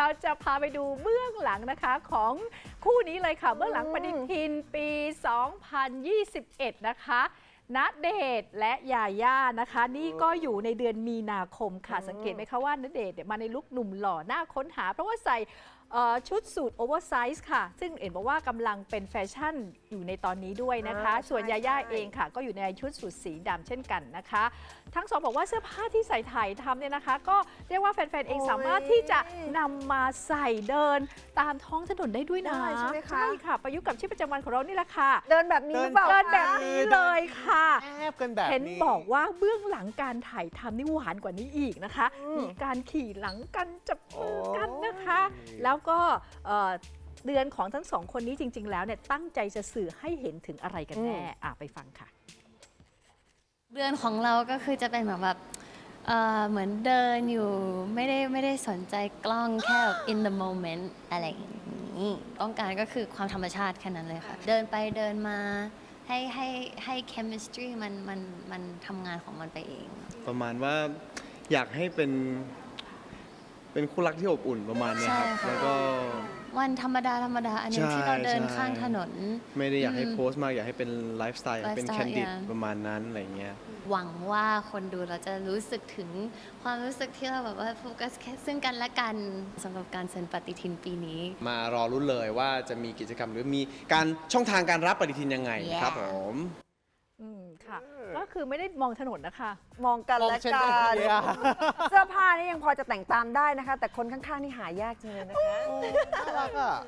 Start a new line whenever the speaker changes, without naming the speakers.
เราจะพาไปดูเบื้องหลังนะคะของคู่นี้เลยค่ะเบื้องหลังปฏิทินปี 2021 นะคะณเดชน์และยาย่านะคะนี่ก็อยู่ในเดือนมีนาคมค่ะสังเกตไหมคะว่าณเดชน์มาในลุคหนุ่มหล่อหน้าค้นหาเพราะว่าใส่ชุดสูทโอเวอร์ไซส์ค่ะซึ่งเห็นบอกว่ากำลังเป็นแฟชั่นอยู่ในตอนนี้ด้วยนะคะส่วนยาย่าเองค่ะก็อยู่ในชุดสูทสีดำเช่นกันนะคะทั้งสองบอกว่าเสื้อผ้าที่ใส่ถ่ายทำเนี่ยนะคะก็เรียกว่าแฟนๆเองสามารถที่จะนำมาใส่เดินตามท้องถนนได้ด้วยนะใช่ไหมคะใช่ค่ะประยุกต์กับชีวิตประจำวันของเรานี่แหละค่ะ
เดินแบบนี้หรือเปล่า
เดินแบบนี้เลยค่ะ
แอบกันแบบนี้
เห็นบอกว่าเบื้องหลังการถ่ายทำนี่หวานกว่านี้อีกนะคะมีการขี่หลังกันจับมือกันนะคะ แล้วก็เดือนของทั้งสองคนนี้จริงๆแล้วเนี่ยตั้งใจจะสื่อให้เห็นถึงอะไรกันแน่ไปฟังค่ะ
เดือนของเราก็คือจะเป็นแบบเหมือนเดินอยู่ไม่ได้สนใจกล้องแค่ in the moment อะไรอย่างนี้ต้องการก็คือความธรรมชาติแค่นั้นเลยค่ะ เดินไปเดินมาให้ chemistry มันทำงานของมันไปเอง
ประมาณว่าอยากให้เป็นคู่รักที่อบอุ่นประมาณเนี้ยครับ
ใช่ค่ะ
แล้วก็
วันธรรมดาอันหนึงที่เราเดินข้างถนน
ไม่ได้อยากให้โพสต์มากอยากให้เป็นไลฟ์สไตล์เป็น
lifestyle
แคนดิด
yeah
ประมาณนั้นอะไรเงี้ย
หวังว่าคนดูเราจะรู้สึกถึงความรู้สึกที่เราแบบว่าโฟกัสแค่ซึ่งกันและกันสำหรับการเซ็นปฏิทินปีนี้
มารอรุ้นเลยว่าจะมีกิจกรรมหรือมีการช่องทางการรับปฏิทินยังไง
Yeah
ครับผม
ค่ะก็คือไม่ได้มองถนนนะคะ
มองกันและ
มองเช่น
กั
กัน
น
เนี่ย
เสื้อผ้านี่ยังพอจะแต่งตามได้นะคะ แต่คนข้างๆนี่หายากจริงเลยนะคะ
น่ารักอ่ะ